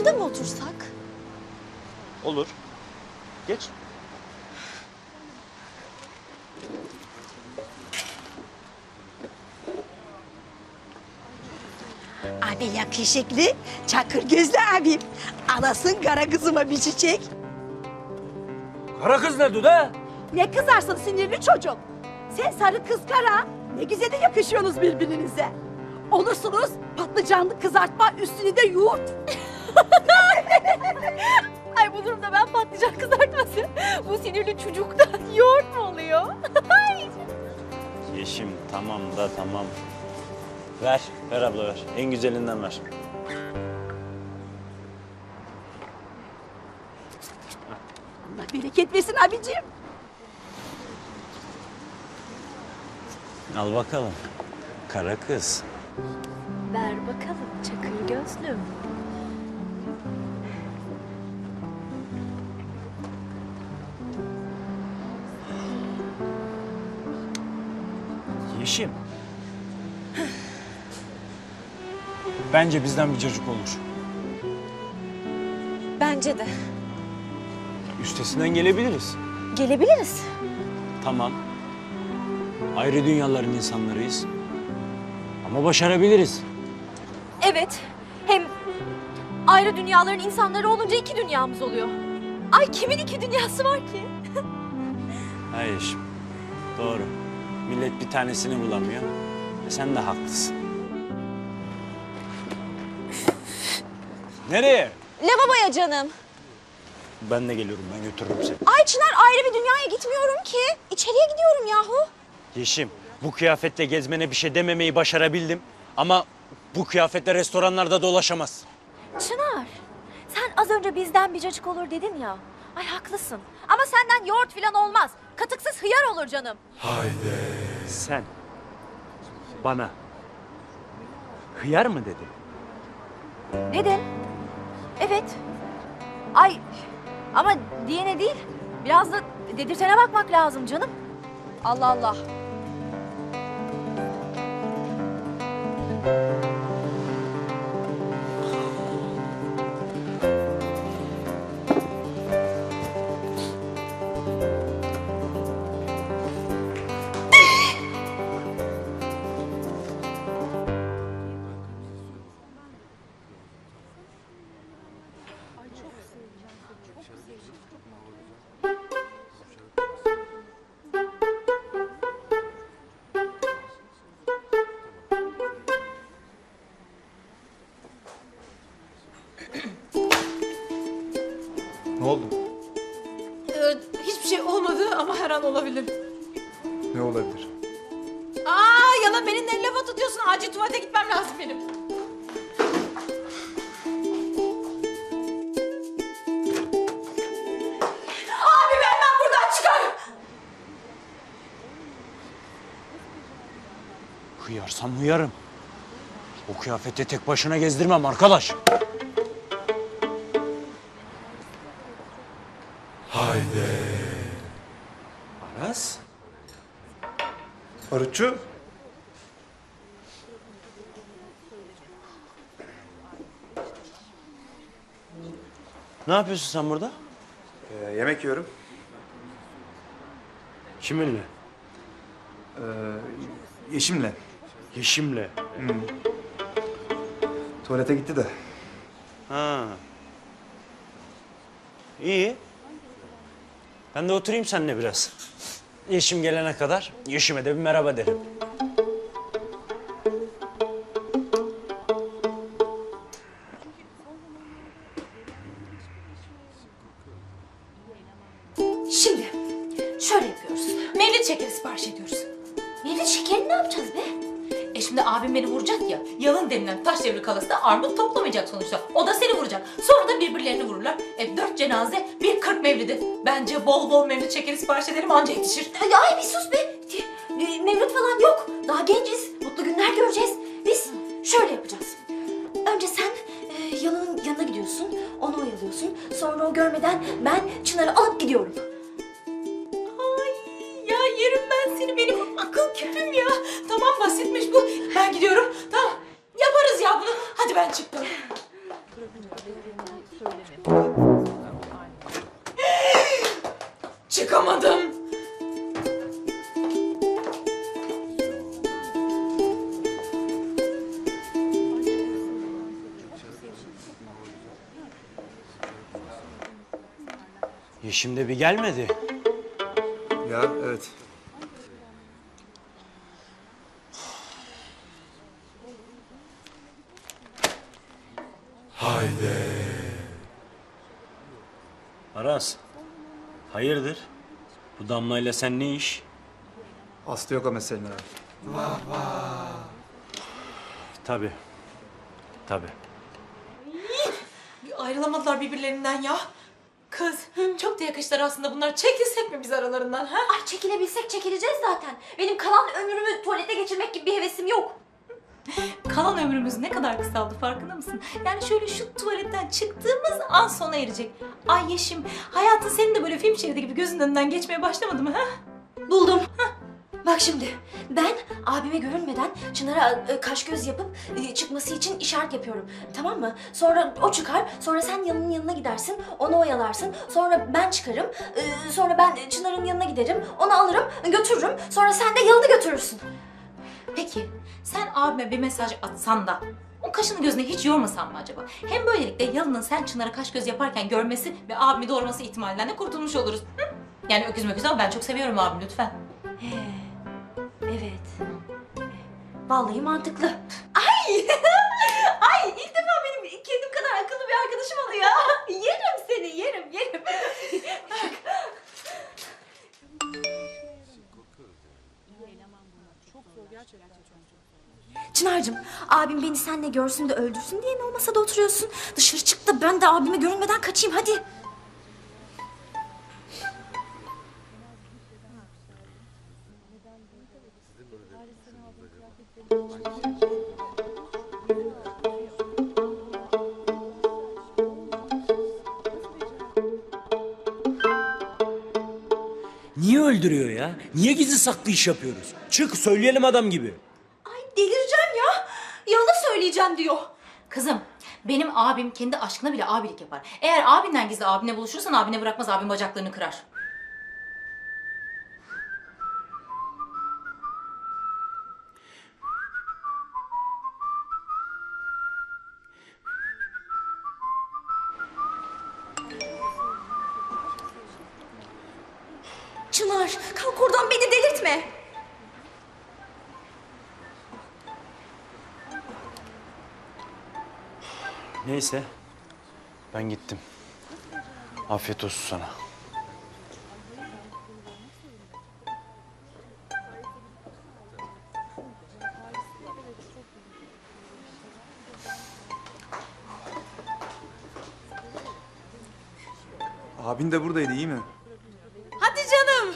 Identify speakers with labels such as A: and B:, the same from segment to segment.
A: Burada mı otursak?
B: Olur. Geç.
A: Abi yakışıklı, çakır gözlü abim. Alasın kara kızıma bir çiçek.
C: Kara kız ne Duda?
A: Ne kızarsın sinirli çocuk. Sen sarı kız kara. Ne güzel de yakışıyorsunuz birbirinize. Olursunuz patlıcanlı kızartma üstüne de yoğurt.
D: Ay bu durumda ben patlıcan kızartması. Bu sinirli çocuktan yoğurt mu oluyor?
B: Yeşim tamam da tamam. Ver, ver abla ver. En güzelinden ver.
A: Allah bereket versin abicim.
B: Al bakalım. Kara kız.
D: Ver bakalım çakır gözlüm.
C: Yeşim. Bence bizden bir çocuk olur.
D: Bence de.
C: Üstesinden gelebiliriz.
D: Gelebiliriz.
B: Tamam. Ayrı dünyaların insanlarıyız. Ama başarabiliriz.
D: Evet. Hem ayrı dünyaların insanları olunca iki dünyamız oluyor. Ay kimin iki dünyası var ki?
B: Ha Yeşim. Doğru. Millet bir tanesini bulamıyor. Sen de haklısın. Nereye?
D: Lavaboya canım.
B: Ben de geliyorum. Ben götürürüm seni.
D: Ay Çınar ayrı bir dünyaya gitmiyorum ki. İçeriye gidiyorum yahu.
B: Yeşim, bu kıyafetle gezmene bir şey dememeyi başarabildim. Ama bu kıyafetle restoranlarda dolaşamaz.
D: Çınar, sen az önce bizden bir cacık olur dedin ya. Ay haklısın. Ama senden yoğurt falan olmaz. Katıksız hıyar olur canım.
B: Sen bana hıyar mı dedin?
D: Dedim. Evet. Ay ama diyene değil. Biraz da dedirtene bakmak lazım canım. Allah Allah.
E: Ne oldu?
F: Hiçbir şey olmadı ama her an olabilir.
E: Ne olabilir?
F: Yalan beni ne lafa tutuyorsun? Acil tuvalete gitmem lazım benim. Abi ben buradan çıkarım.
B: Hıyarsam hıyarım. O kıyafette tek başına gezdirmem arkadaş. Aras?
E: Barutçu?
B: Ne yapıyorsun sen burada?
E: Yemek yiyorum.
B: Kiminle?
E: Yeşim'le.
B: Yeşim'le.
E: Tuvalete gitti de.
B: Ha. İyi. Ben de oturayım seninle biraz. Yeşim gelene kadar Yeşim'e de bir merhaba derim.
D: Şimdi şöyle yapıyoruz.
F: Mevlid şekeri sipariş ediyoruz.
D: Mevlid şekerini ne yapacağız be?
F: Şimdi abim beni vuracak ya. Yalın denilen taş devri kalası da armut toplamayacak sonuçta. O da seni vuracak. Sonra da birbirlerini vururlar. 4 cenaze, bir 40 mevlidi. Bence bol bol mevlid şekeri sipariş edelim anca yetişir.
D: Ay bir sus be. Mevlüt falan yok. Daha genciz. Mutlu günler göreceğiz. Biz şöyle yapacağız. Önce sen Yalın'ın yanına gidiyorsun. Onu oyalıyorsun. Sonra o görmeden ben Çınar'ı alıp gidiyorum.
F: Ay ya yerim ben seni, benim akıl küpüm ya. Tamam basitmiş bu. Ben gidiyorum. Tamam yaparız ya bunu. Hadi ben çıktım. Çıkamadım.
B: Yeşim de bir gelmedi.
E: Ya evet.
B: Aras, hayırdır? Bu Damla'yla sen ne iş?
E: Aslı yok o meselenin abi.
B: Tabii. Tabii.
F: Ayrılamadılar birbirlerinden ya. Kız, çok da yakıştılar aslında bunlar. Çekilsek mi biz aralarından ha?
D: Ay çekilebilsek çekileceğiz zaten. Benim kalan ömrümü tuvalete geçirmek gibi bir hevesim yok.
F: Kalan ömrümüz ne kadar kısaldı farkında mısın? Yani şöyle şu tuvaletten çıktığımız an sona erecek. Ay Yeşim, hayatın senin de böyle film şeridi gibi gözünün önünden geçmeye başlamadı mı ha?
D: Buldum. Bak şimdi ben abime görünmeden Çınar'a kaş göz yapıp çıkması için işaret yapıyorum. Tamam mı? Sonra o çıkar. Sonra sen Yalın'ın yanına gidersin. Onu oyalarsın. Sonra ben çıkarım. Sonra ben Çınar'ın yanına giderim. Onu alırım, götürürüm. Sonra sen de Yalın'ı götürürsün.
F: Peki, sen abime bir mesaj atsan da o kaşını gözüne hiç yormasan mı acaba? Hem böylelikle Yalın'ın sen Çınar'a kaş göz yaparken görmesi ve abimi doğurması ihtimalinden de kurtulmuş oluruz. Hı? Yani öküz möküz ama ben çok seviyorum abimi lütfen.
D: He. Evet. Vallahi mantıklı. Ay! Ay ilk defa benim kendim kadar akıllı bir arkadaşım oluyor. Yerim seni, yerim. Çınar'cığım, abim beni seninle görsün de öldürsün diye mi o masada oturuyorsun? Dışarı çık da ben de abime görünmeden kaçayım hadi.
C: Niye öldürüyor ya? Niye gizli saklı iş yapıyoruz? Çık söyleyelim adam gibi.
D: Ay delireceğim ya. Yalan söyleyeceğim diyor.
F: Kızım, benim abim kendi aşkına bile abilik yapar. Eğer abinden gizli abine buluşursan abine bırakmaz, abin bacaklarını kırar.
D: Çınar kalk oradan beni delirtme.
B: Neyse, ben gittim. Afiyet olsun sana.
E: Abin de buradaydı iyi mi?
F: Hadi canım.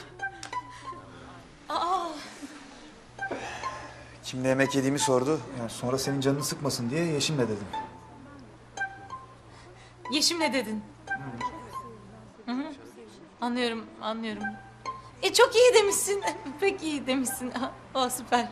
E: Kimle yemek yediğimi sordu. Yani sonra senin canını sıkmasın diye Yeşim'le dedim.
F: Yeşim ne dedin? Hı hı. Anlıyorum. Çok iyi demişsin. Pek iyi demişsin. O süper.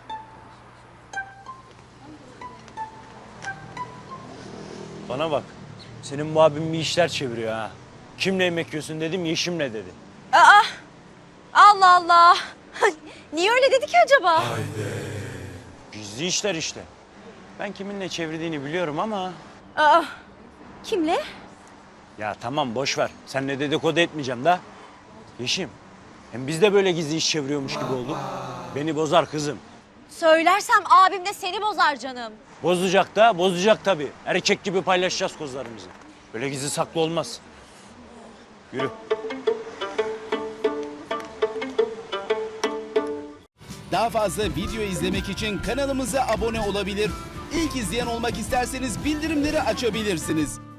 B: Bana bak, senin bu abin bir işler çeviriyor ha. Kimle yemek yiyorsun dedim, Yeşim'le dedi.
D: Allah Allah. Niye öyle dedi ki acaba?
B: Gizli işler işte. Ben kiminle çevirdiğini biliyorum ama...
D: Kimle?
B: Ya tamam boş ver. Seninle dedikodu etmeyeceğim da. Yeşim, hem biz de böyle gizli iş çeviriyormuş gibi olduk. Beni bozar kızım.
D: Söylersem abim de seni bozar canım.
B: Bozacak tabii. Erkek gibi paylaşacağız kozlarımızı. Böyle gizli saklı olmaz. Yürü.
G: Daha fazla video izlemek için kanalımıza abone olabilir. İlk izleyen olmak isterseniz bildirimleri açabilirsiniz.